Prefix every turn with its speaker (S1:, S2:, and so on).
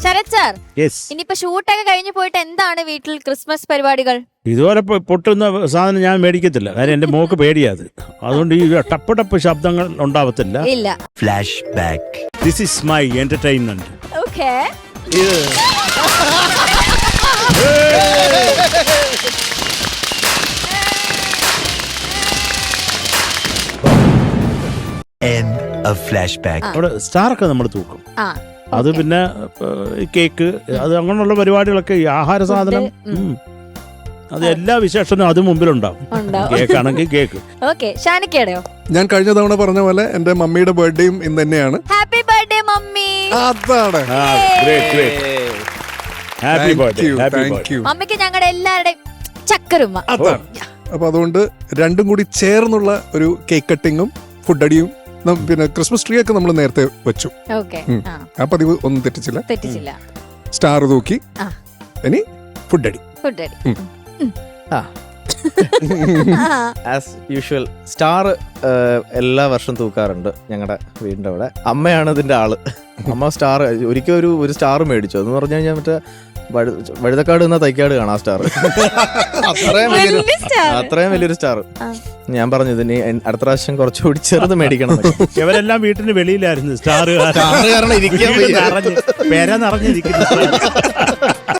S1: Sarath sir, ഇനിയിപ്പോ ഷൂട്ടൊക്കെ കഴിഞ്ഞു പോയിട്ട് എന്താണ് വീട്ടിൽ ക്രിസ്മസ് പരിപാടികൾ?
S2: ഇതുപോലെ പൊട്ടുന്ന സാധനം ഞാൻ മേടിക്കത്തില്ല, കാര്യം എന്റെ മോക്ക് പേടിയാത്. അതുകൊണ്ട് ഈ ടപ്പ് ടപ്പ് ശബ്ദങ്ങൾ ഉണ്ടാവത്തില്ല.
S1: ഇല്ല.
S3: Flashback.
S2: This is my entertainment.
S1: Okay.
S3: End of flashback.
S2: അവിടെ സ്റ്റാറൊക്കെ നമ്മൾ തൂക്കും. അത് പിന്നെ കേക്ക്, അത് അങ്ങനെയുള്ള പരിപാടികളൊക്കെ, ഈ ആഹാര സാധനം, അത് എല്ലാ വിശേഷനും അത് മുമ്പിലുണ്ടാവും. കേക്കാണെങ്കിൽ കേക്ക്.
S4: ഞാൻ കഴിഞ്ഞ തവണ പറഞ്ഞ പോലെ എന്റെ മമ്മിയുടെ ബർത്ത്ഡേയും ഇന്ന് തന്നെയാണ്.
S1: Happy birthday mummy.
S4: അതാണ്.
S2: Happy birthday.
S1: മമ്മിക്ക് ഞങ്ങളുടെ എല്ലാവരുടെയും ചക്കരുമ്മ.
S4: അപ്പൊ അതുകൊണ്ട് രണ്ടും കൂടി ചേർന്നുള്ള ഒരു കേക്ക് കട്ടിങ്ങും ഫുഡ് അടിയും പിന്നെ ക്രിസ്മസ് ട്രീ ഒക്കെ നമ്മൾ നേരത്തെ വെച്ചു. ആ പതിവ് ഒന്നും തെറ്റിച്ചില്ല. സ്റ്റാർ തൂക്കി, ഇനി ഫുഡ് അടി.
S5: ആസ് യൂഷ്വൽ സ്റ്റാർ എല്ലാ വർഷം തൂക്കാറുണ്ട് ഞങ്ങളുടെ വീടിന്റെ അവിടെ. അമ്മയാണ് ഇതിന്റെ ആള്. അമ്മ സ്റ്റാർ ഒരിക്കൽ ഒരു സ്റ്റാർ മേടിച്ചു. എന്ന് പറഞ്ഞു കഴിഞ്ഞാൽ മറ്റേ വഴുതക്കാട് എന്ന തൈക്കാട് കാണാം സ്റ്റാർ. അത്രയും വലിയൊരു സ്റ്റാർ. ഞാൻ പറഞ്ഞു ഇതിന് അടുത്ത പ്രാവശ്യം കുറച്ചുകൂടി ചെറുത് മേടിക്കണം.
S2: ഇവരെല്ലാം വീട്ടിന് വെളിയിലായിരുന്നു സ്റ്റാർ
S5: കാരണം ഇരിക്കാൻ
S2: പേര നിറഞ്ഞിരിക്കുന്നു.